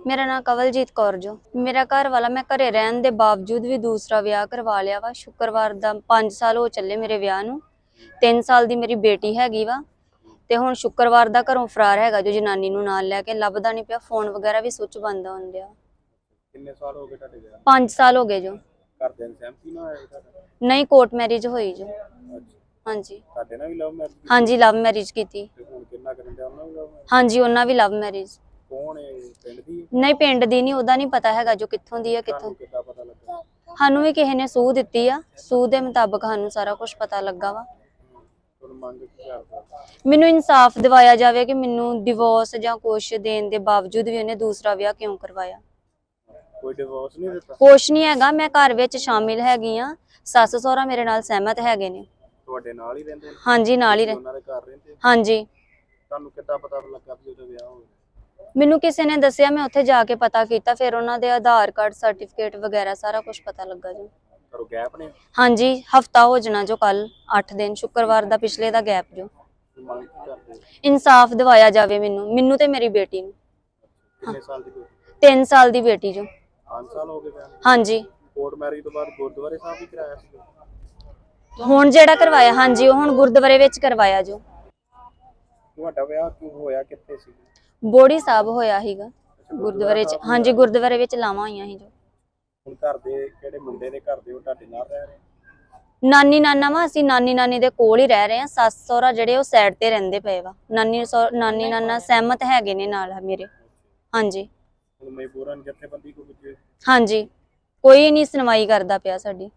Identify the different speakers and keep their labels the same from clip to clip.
Speaker 1: मेरा नाम कवलजीत कौर जो। मेरा घर वाला मैं घरे रहन दे बावजूद भी दूसरा विआह करवा लिया वा। शुक्रवार दा 5 साल हो चले मेरे विआह नूं। 3 साल दी मेरी बेटी हैगी वा ते हुण शुक्रवार दा घरों फरार हैगा जो जनानी नूं नाल लैके लभदा नहीं पिया। फोन वगैरह भी स्विच बंद होण दिया।
Speaker 2: कितने साल हो गए ਤੁਹਾਡੇ ਵਿਆਹ
Speaker 1: 5 साल हो गए जो।
Speaker 2: ਘਰਦਿਆਂ ਦੀ ਸਹਿਮਤੀ ਨਾਲ ਹੋਇਆ ਤੁਹਾਡਾ?
Speaker 1: नहीं कोर्ट मैरिज होई जो।
Speaker 2: ਅੱਛਾ
Speaker 1: हाँ जी
Speaker 2: ਤੁਹਾਡੇ ਨਾਲ ਵੀ ਲਵ ਮੈਰਿਜ ਕੀਤੀ?
Speaker 1: हाँ जी लव मैरिज की थी।
Speaker 2: ਤੇ ਹੁਣ ਕਿੰਨਾ ਕਰਨ ਦਿਆ ਉਹਨਾਂ ਵੀ ਲਵ ਮੈਰਿਜ?
Speaker 1: हाँ जी उन्हां भी लव मैरिज।
Speaker 2: ਕੌਣ ਹੈ ਪਿੰਡ ਦੀ?
Speaker 1: नहीं पिंड दी नहीं, ओदा नहीं पता हैगा जो कित्थों दी है कित्थों।
Speaker 2: ਤੁਹਾਨੂੰ ਕਿੱਦਾਂ ਪਤਾ ਲੱਗਾ?
Speaker 1: ਸਾਨੂੰ ਵੀ ਕਿਸੇ ਨੇ ਸੂਹ ਦਿੱਤੀ ਆ। ਸੂਹ ਦੇ ਮੁਤਾਬਕ ਸਾਨੂੰ ਸਾਰਾ ਕੁਝ ਪਤਾ ਲੱਗਾ ਵਾ।
Speaker 2: ਤੁਹਾਨੂੰ ਮੰਗ ਕੀ ਕਰਦਾ?
Speaker 1: ਮੈਨੂੰ ਇਨਸਾਫ ਦਿਵਾਇਆ ਜਾਵੇ ਕਿ ਮੈਨੂੰ ਡਿਵੋਰਸ ਜਾਂ ਕੁਛ ਦੇਣ ਦੇ ਬਾਵਜੂਦ ਵੀ ਉਹਨੇ ਦੂਸਰਾ ਵਿਆਹ ਕਿਉਂ ਕਰਵਾਇਆ।
Speaker 2: ਕੋਈ ਡਿਵੋਰਸ ਨਹੀਂ ਦਿੱਤਾ?
Speaker 1: ਕੁਛ ਨਹੀਂ ਹੈਗਾ। ਮੈਂ ਘਰ ਵਿੱਚ ਸ਼ਾਮਿਲ ਹੈਗੀ ਆ। ਸੱਸ ਸਹੁਰਾ ਮੇਰੇ ਨਾਲ ਸਹਿਮਤ ਹੈਗੇ ਨੇ।
Speaker 2: ਤੁਹਾਡੇ ਨਾਲ ਹੀ ਰਹਿੰਦੇ ਨੇ?
Speaker 1: ਹਾਂਜੀ ਨਾਲ ਹੀ
Speaker 2: ਤੁਸੀਂ ਉਹਨਾਂ ਦੇ ਘਰ ਰਹਿੰਦੇ?
Speaker 1: ਹਾਂਜੀ।
Speaker 2: ਤੁਹਾਨੂੰ ਕਿੱਦਾਂ ਪਤਾ ਲੱਗਾ ਵੀ ਉਹਦਾ ਵਿਆਹ ਹੋ ਗਿਆ?
Speaker 1: ਮੈਨੂੰ ਕਿਸੇ ਨੇ ਦੱਸਿਆ, ਮੈਂ ਉੱਥੇ ਜਾ ਕੇ ਪਤਾ ਕੀਤਾ, ਫਿਰ ਉਹਨਾਂ ਦੇ ਆਧਾਰ ਕਾਰਡ ਸਰਟੀਫਿਕੇਟ ਵਗੈਰਾ ਸਾਰਾ ਕੁਝ ਪਤਾ ਲੱਗਾ ਜੀ।
Speaker 2: ਕਰੋ ਗੈਪ ਨੇ?
Speaker 1: ਹਾਂਜੀ ਹਫਤਾ ਹੋ ਜਾਣਾ ਜੋ, ਕੱਲ 8 ਦਿਨ ਸ਼ੁੱਕਰਵਾਰ ਦਾ ਪਿਛਲੇ ਦਾ ਗੈਪ ਜੋ।
Speaker 2: ਮੰਗ ਕੀ ਕਰਦੇ?
Speaker 1: ਇਨਸਾਫ ਦਿਵਾਇਆ ਜਾਵੇ ਮੈਨੂੰ ਤੇ ਮੇਰੀ ਬੇਟੀ ਨੂੰ।
Speaker 2: ਕਿੰਨੇ ਸਾਲ ਦੀ ਬੇਟੀ?
Speaker 1: 3 ਸਾਲ ਦੀ ਬੇਟੀ ਜੋ।
Speaker 2: 5 ਸਾਲ ਹੋ ਗਏ ਵਿਆਹ ਨੂੰ?
Speaker 1: ਹਾਂਜੀ
Speaker 2: ਕੋਰਟ ਮੈਰਿਜ ਤੋਂ ਬਾਅਦ ਗੁਰਦੁਆਰੇ ਸਾਹਿਬ ਵੀ ਕਰਾਇਆ ਸੀ?
Speaker 1: ਹੁਣ ਜਿਹੜਾ ਕਰਵਾਇਆ, ਹਾਂਜੀ ਉਹ ਹੁਣ ਗੁਰਦੁਆਰੇ ਵਿੱਚ ਕਰਵਾਇਆ ਜੋ।
Speaker 2: ਤੁਹਾਡਾ ਵਿਆਹ ਕਿਉਂ ਹੋਇਆ, ਕਿੱਥੇ ਸੀ?
Speaker 1: ਬੋੜੀ ਸਾਹਿਬ ਹੋਇਆ ਸੀਗਾ ਗੁਰਦੁਆਰੇ ਚ। ਹਾਂਜੀ ਗੁਰਦੁਆਰੇ ਵਿੱਚ ਲਾਵਾਂ ਹੋਈਆਂ ਸੀ ਜੋ।
Speaker 2: ਹੁਣ ਘਰ ਦੇ ਕਿਹੜੇ ਮੁੰਡੇ ਦੇ ਘਰ ਦੇ ਉਹ ਤੁਹਾਡੇ ਨਾਲ ਰਹਿ ਰਹੇ?
Speaker 1: ਨਾਨੀ ਨਾਨਾ ਵਾ, ਅਸੀਂ ਨਾਨੀ ਨਾਨੀ ਦੇ ਕੋਲ ਹੀ ਰਹਿ ਰਹੇ ਆ। ਸੱਸ ਸਹੁਰਾ ਜਿਹੜੇ ਉਹ ਸਾਈਡ ਤੇ ਰਹਿੰਦੇ ਪਏ ਵਾ। ਨਾਨੀ ਨਾਨਾ ਸਹਿਮਤ ਹੈਗੇ ਨੇ ਨਾਲ ਮੇਰੇ। ਹਾਂਜੀ
Speaker 2: ਹੁਣ ਮਜਬੂਰਨ ਜਥੇਬੰਦੀ ਕੋ ਵਿੱਚ?
Speaker 1: ਹਾਂਜੀ ਕੋਈ ਨਹੀਂ ਸੁਣਵਾਈ ਕਰਦਾ ਪਿਆ ਸਾਡੀ।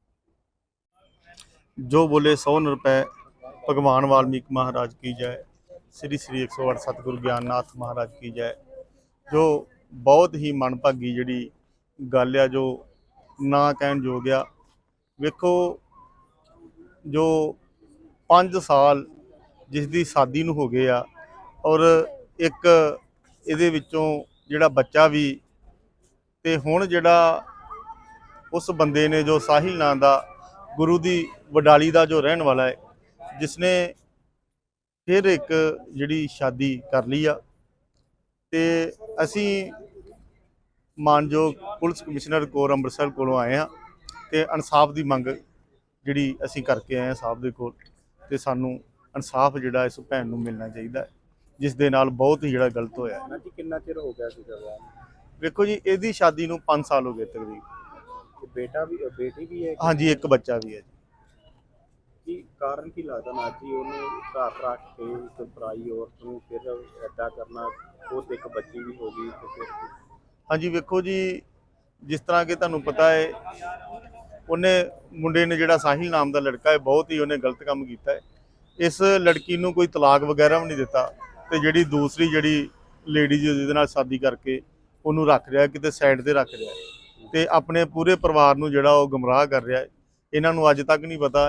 Speaker 3: जो बोले 100 रुपए भगवान वाल्मीकि महाराज की जय। श्री श्री 108 सतगुरु ज्ञाननाथ महाराज की जय। जो बहुत ही मनभागी जी गल आ, जो ना कहन योग आ। वेखो जो 5 साल जिसकी शादी नूं हो गए आ, और एक इहदे विचों जिहड़ा बच्चा भी, ते हुण जिहड़ा उस बंदे ने जो साहिल नाम दा गुरु दी वडाली का जो रहने वाला है, जिसने फिर एक जिहड़ी शादी कर ली आ। ते असी मानयोग पुलिस कमिश्नर कोर अमृतसर कोलों आए हाँ, ते इंसाफ की मंग जिहड़ी असी करके आए साहब दे कोल। ते सानू इंसाफ जिहड़ा इस भैन नूं मिलना चाहिए, जिस दे नाल बहुत ही जिहड़ा गलत होया।
Speaker 2: जी कितना चिर हो गया सीगा विआह नूं?
Speaker 3: वेखो जी इहदी शादी नूं 5 साल हो गए तकरीबन।
Speaker 2: बेटा भी बेटी भी है?
Speaker 3: हाँ जी एक बच्चा भी है जी।
Speaker 2: की कारण की लगता ना जी उन्हें घर रख के एक पराई औरत नूं फिर ऐदा करना? वो तो एक बच्ची भी होगी तो फिर?
Speaker 3: हाँ जी वेखो जी, जिस तरह के तुहानूं पता है, उन्हें मुंडे ने जिहड़ा साहिल नाम का लड़का है, बहुत ही उन्हें गलत काम किया है। इस लड़की नूं कोई तलाक वगैरह भी नहीं दिता, तो जिहड़ी दूसरी जिहड़ी लेडी जिहदे नाल शादी करके उन्होंने रख रहा, किते साइड ते रख रहा, ते अपने पूरे परिवार नूं जिहड़ा वो गुमराह कर रहा है। इन्हां नूं अज तक नहीं पता